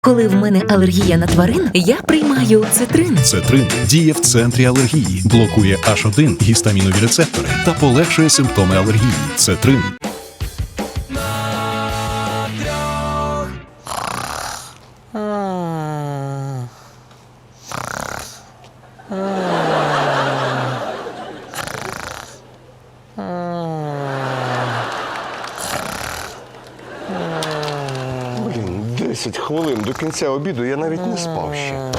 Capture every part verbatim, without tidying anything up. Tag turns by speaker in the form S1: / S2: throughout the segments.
S1: Коли в мене алергія на тварин, я приймаю цитрин.
S2: Цетрин діє в центрі алергії, блокує аш один гістамінові рецептори та полегшує симптоми алергії. Цетрин.
S3: Блін, десять хвилин до кінця обіду я навіть не спав ще.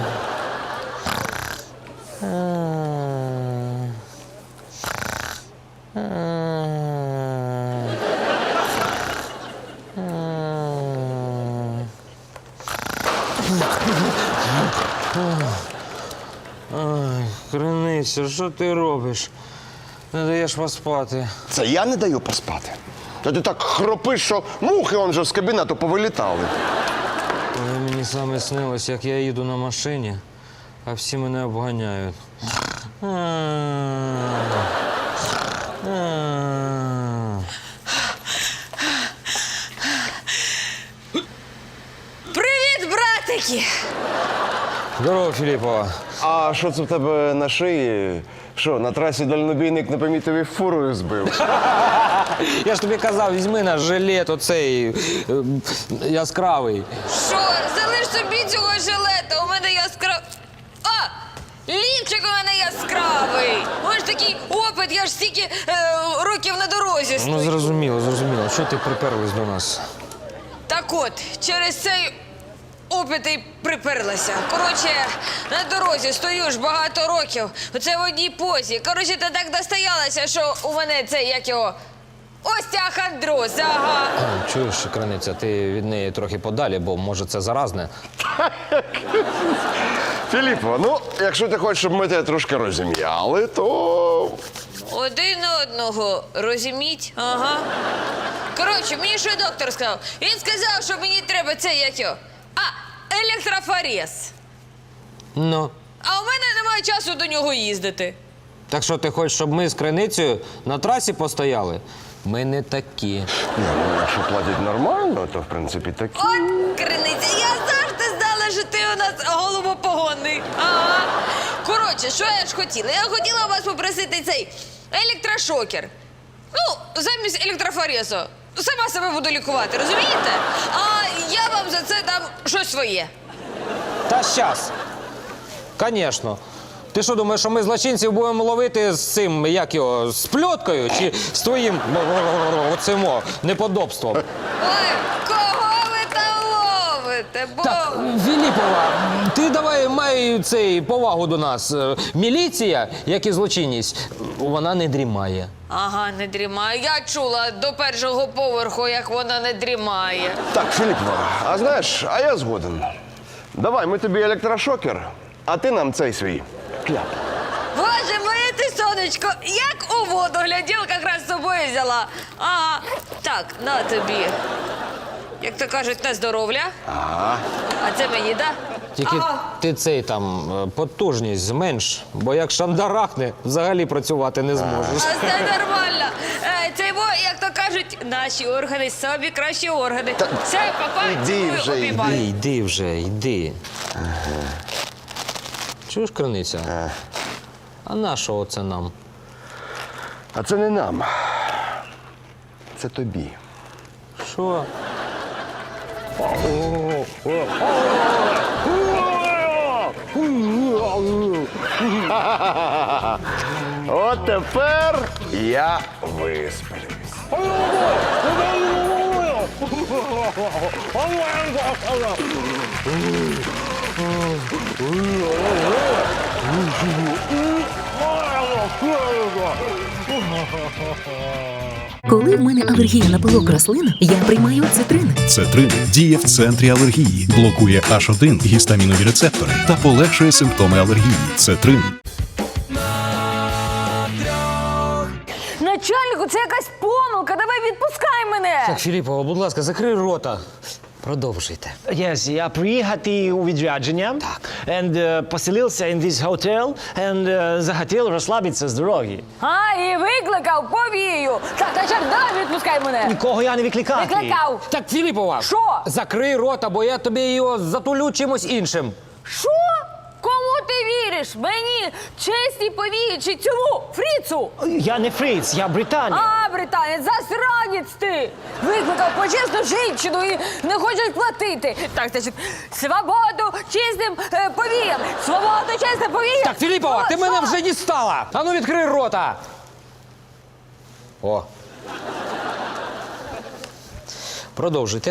S4: Криниця, що ти робиш? Не даєш поспати.
S3: Це я не даю поспати. Та ти так хропиш, що мухи он же з кабінету повилітали.
S4: Ой, мені саме снилось, як я їду на машині, а всі мене обганяють.
S5: Привіт, братики!
S4: Здорово, Філіпова.
S3: А що це в тебе на шиї? Що, на трасі дальнобійник не помітив і фурою збив?
S4: Я ж тобі казав, візьми наш жилет оцей е, яскравий.
S5: Що, залиш собі цього жилета, у мене яскрав... А! Лівчик у мене яскравий! У мене ж такий опит, я ж стільки е, років на дорозі стою.
S4: Ну, зрозуміло, зрозуміло. Що ти приперлась до нас?
S5: Так от, через цей опит і приперлася. Коротше, на дорозі стою ж багато років. Оце в одній позі. Коротше, та так достоялася, що у мене це, як його, остеохондроз, ага.
S4: А, чуєш, Криниця, ти від неї трохи подалі, бо, може, це заразне.
S3: Філіппо, ну, якщо ти хочеш, щоб ми тебе трошки розім'яли, то...
S5: Один одного, розуміть? Ага. Коротше, мені що доктор сказав? Він сказав, що мені треба це, як його, а, електрофорез.
S4: Ну,
S5: А у мене немає часу до нього їздити.
S4: так що ти хочеш, щоб ми з Криницею на трасі постояли? Ми не такі.
S3: Ні, ну, якщо платять нормально, то, в принципі, такі...
S5: От, Криниця, я завжди знала, що ти у нас голубопогонний. Ага. Коротше, що я ж хотіла? Я хотіла у вас попросити цей електрошокер. Ну, замість електрофорезу. Сама себе буду лікувати, розумієте? А я вам за це дам щось своє.
S4: Та щас. Конечно. Ти що думаєш, що ми злочинців будемо ловити з цим, як його, з пльоткою чи з твоїм оцим о, неподобством?
S5: Ой, кого ви там ловите? Бо...
S4: Так, Філіпова, ти давай май цей повагу до нас. Е, Міліція, як і злочинність, вона не дрімає.
S5: Ага, не дрімає. Я чула до першого поверху, як вона не дрімає.
S3: Так, Філіппо, а знаєш, а я згоден. Давай, ми тобі електрошокер, а ти нам цей свій кляп.
S5: Боже, моє ти сонечко, як у воду гляділка якраз з собою взяла. Ага, так, на тобі. Як то кажуть, на здоров'я.
S3: Ага.
S5: А це мені, да?
S4: Тільки
S5: Ага.
S4: ти цей там е, потужність зменш, бо як шандарахне, взагалі працювати не зможеш.
S5: А це нормально. Е, Це бо, як то кажуть, наші органи самі кращі органи. Все, папа,
S3: іди
S5: цілую,
S3: вже,
S5: обіймаю.
S4: Йди, йди вже, йди. Чуєш, Криниця?
S3: Ага.
S4: А на що оце нам?
S3: А це не нам. Це тобі.
S4: Що?
S3: От тепер я висплюсь.
S1: Коли в мене алергія на пилок рослин, я приймаю цитрин.
S2: Цетрин діє в центрі алергії, блокує аш один гістамінові рецептори та полегшує симптоми алергії. Цетрин.
S5: Начальнику, це якась помилка, давай відпускай мене.
S4: Так, Філіпова, будь ласка, закрий рота. Продовжуйте.
S6: Yes, я приїхати у відрядження.
S4: Так.
S6: And uh, поселився in this hotel and uh, захотів розслабитися з дороги.
S7: А, і викликав повію. Так, а чак, давай відпускай мене.
S6: Нікого я не викликав.
S7: Викликав.
S4: Так, Філіпова!
S7: Що?
S4: Закрий рота, бо я тобі його затулю чимось іншим.
S7: Що? Кому ти віриш? Мені, чесній повії чи цьому Фріцу?
S6: Я не фриц, я британець.
S7: А, британець, засранець ти! Викликав почесну жінчину і не хочуть платити. Так, значить, свободу чесним е, повіям! Свободу чесним повіям!
S4: Так, Філіпова, ти
S7: Що?
S4: мене вже дістала! Ану, відкрий рота! О. Продовжуйте.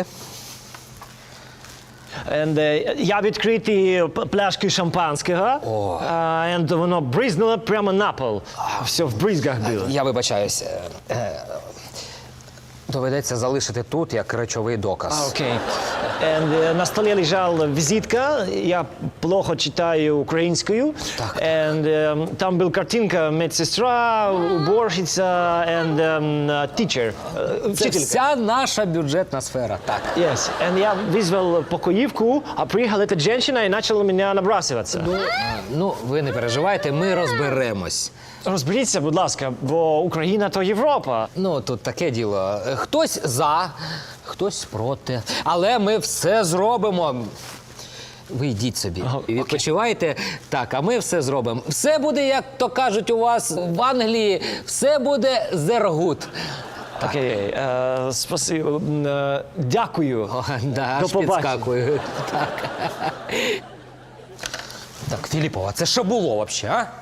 S6: And, uh, я відкрити п- пляшки шампанського.
S4: О.
S6: Uh, and воно бризнуло прямо на пол. Все в бризгах було.
S4: Я вибачаюсь. Е, е, Доведеться залишити тут як речовий доказ.
S6: Окей. And, uh, на столі лежала візитка. Я плохо читаю українською.
S4: Так.
S6: And, um, там була картинка медсестра, уборщиця and um, uh, teacher. Uh,
S4: Це
S6: вчителька.
S4: вся наша бюджетна сфера. Так.
S6: Yes. And я вызвал покоївку, а приїхала эта женщина і почала мене набрасуватися.
S4: Ну, ви не переживайте, ми розберемось.
S6: Розберіться, будь ласка, бо Україна – то Європа.
S4: Ну, тут таке діло. Хтось за, хтось проти. Але ми все зробимо. Ви йдіть собі. І відпочивайте. Так, а ми все зробимо. Все буде, як то кажуть у вас в Англії, все буде зергут.
S6: Окей, е, спасибо. Е, дякую.
S4: О, да,
S6: До
S4: аж
S6: побачення.
S4: підскакую. Так. Так, Філіпова, це що було взагалі, а?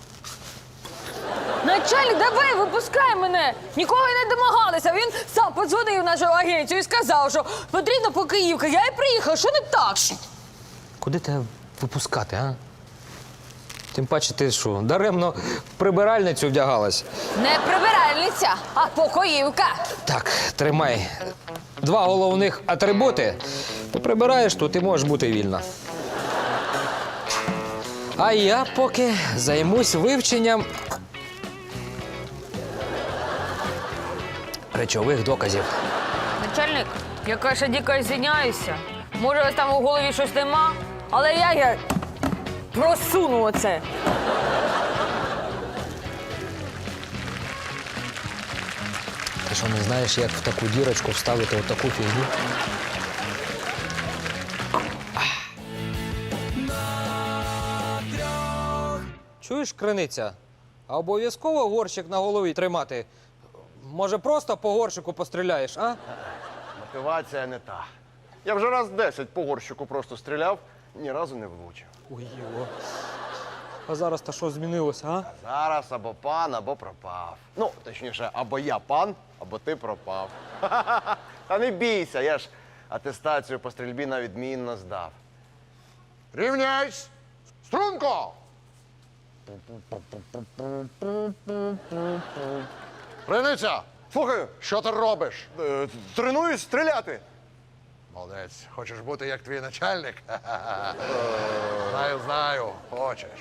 S7: Начальник, давай, випускай мене! Нікого й не домагалися. Він сам подзвонив в нашу агенцію і сказав, що потрібна покоївка. Я і приїхав, що не так?
S4: Куди тебе випускати, а? Тим паче, ти що, даремно в прибиральницю вдягалась.
S7: Не прибиральниця, а покоївка.
S4: Так, тримай. Два головних атрибути. Ти прибираєш тут і можеш бути вільна. А я поки займусь вивченням речових доказів.
S7: Начальник, я, каже, дико звиняюся. Може, у вас там у голові щось нема, але я, я просуну оце.
S4: Ти що, не знаєш, як в таку дірочку вставити отаку фігню? Чуєш, криниця? А обов'язково горщик на голові тримати? Може, просто по горщику постріляєш, а?
S3: Мотивація не та. Я вже раз десять по горщику просто стріляв, ні разу не влучив.
S4: Ой, його. А зараз та що змінилося, а?
S3: Зараз або пан, або пропав. Ну, точніше, або я пан, або ти пропав. Та не бійся, я ж атестацію по стрільбі на відмінно здав. Рівняйсь! Струнко!
S8: Криниця,
S3: Слухаю,
S8: що ти робиш?
S3: е, тренуюсь стріляти.
S8: Молодець, хочеш бути як твій начальник? Знаю, знаю, хочеш.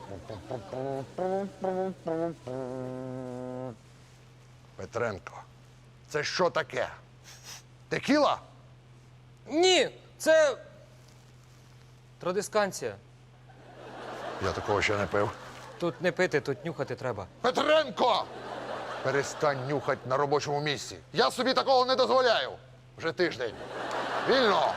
S8: Петренко, це що таке? Текіла?
S4: Ні, це традисканція.
S8: Я такого ще не пив.
S4: Тут не пити, тут нюхати треба.
S8: Петренко! Перестань нюхати на робочому місці. Я собі такого не дозволяю. Вже тиждень. Вільно!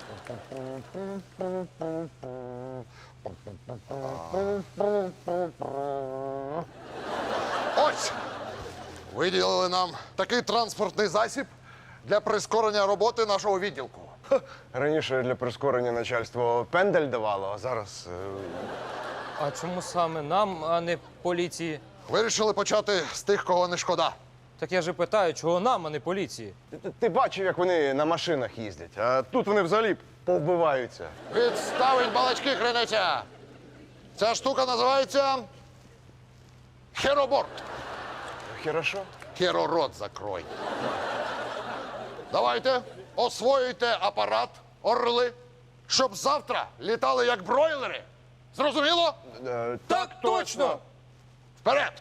S8: Ось! Виділили нам такий транспортний засіб для прискорення роботи нашого відділку.
S3: Раніше для прискорення начальство пендель давало, а зараз. е,
S4: А чому саме нам, а не поліції?
S8: Вирішили почати з тих, кого не шкода.
S4: Так я же питаю, чого нам, а не поліції?
S3: Ти, ти- ти бачив, як вони на машинах їздять, а тут вони взагалі повбиваються.
S8: Відставить балачки, криниця! Ця штука називається хероборд.
S3: Хорошо?
S8: Херорот закрой. Давайте, освоюйте апарат, орли, щоб завтра літали як бройлери. Зрозуміло?
S3: Е,
S4: Так точно!
S8: Вперед!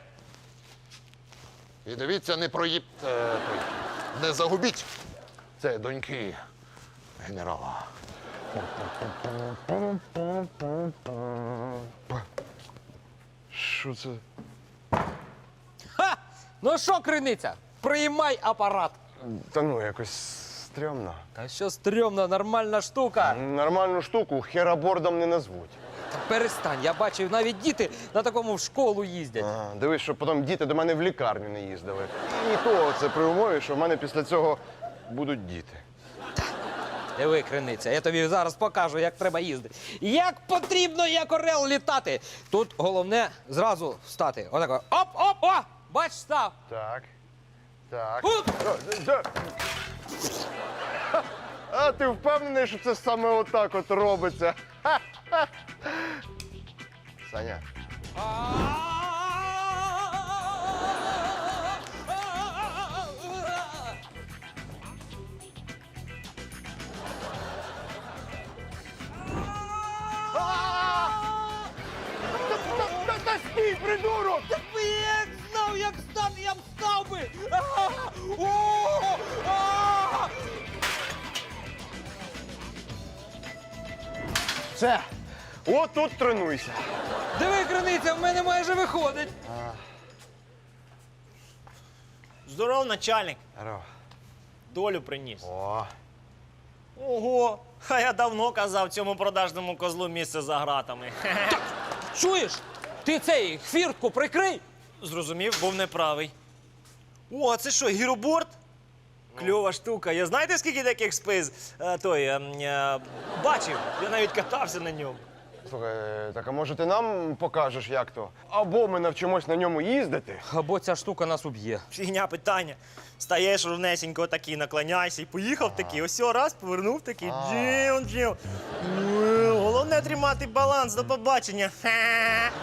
S8: І дивіться, не проїб... е, той, не загубіть. Це доньки
S3: генерала. Що це?
S4: Ха! Ну що, криниця, приймай апарат.
S3: Та ну, якось стрьомно.
S4: Та що стрьомно, нормальна штука.
S3: Нормальну штуку херабордом не назвуть.
S4: Та перестань, я бачив, навіть діти на такому в школу їздять.
S3: Ага, дивись, щоб потім діти до мене в лікарню не їздили. І то це при умові, що в мене після цього будуть діти.
S4: Диви, криниця, я тобі зараз покажу, як треба їздити. Як потрібно, як орел, літати. Тут головне зразу встати. Отако. Оп, оп, о! Бач, став.
S3: Так. Так.
S4: Уп!
S3: О, да. Ха, А ти впевнений, що це саме отак от робиться? Ха-ха. Саня. Та стій, придурок!
S4: Якби я як знав, як стати, я б став би! О! А!
S3: Все, от тут тренуйся.
S4: Диви, криниця, в мене майже виходить.
S9: Здоров, начальник.
S3: Здорово.
S9: Долю приніс.
S3: О,
S9: Ого! А я давно казав цьому продажному козлу місце за гратами.
S4: Чуєш? Ти цей хвіртку прикрий.
S9: Зрозумів, був неправий. О, а це що, гіроборд? Кльова штука. Я знаєте, скільки таких спиз е, той, е, е, бачив? Я навіть катався на ньому.
S3: слухай, так а може ти нам покажеш, як то? Або ми навчимось на ньому їздити.
S4: Або ця штука нас уб'є.
S9: Фігня питання. Стаєш ровнесенько такий, наклоняйся і поїхав такий. Ось о, раз, повернув такий. Джим, джим. Е, Головне тримати баланс. До побачення. Ха.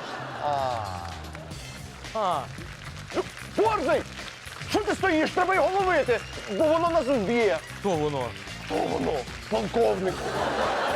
S4: А,
S3: Борзий! Що ти стоїш? Треба його ловити, бо воно нас вб'є.
S4: хто воно?
S3: О, воно, полковник.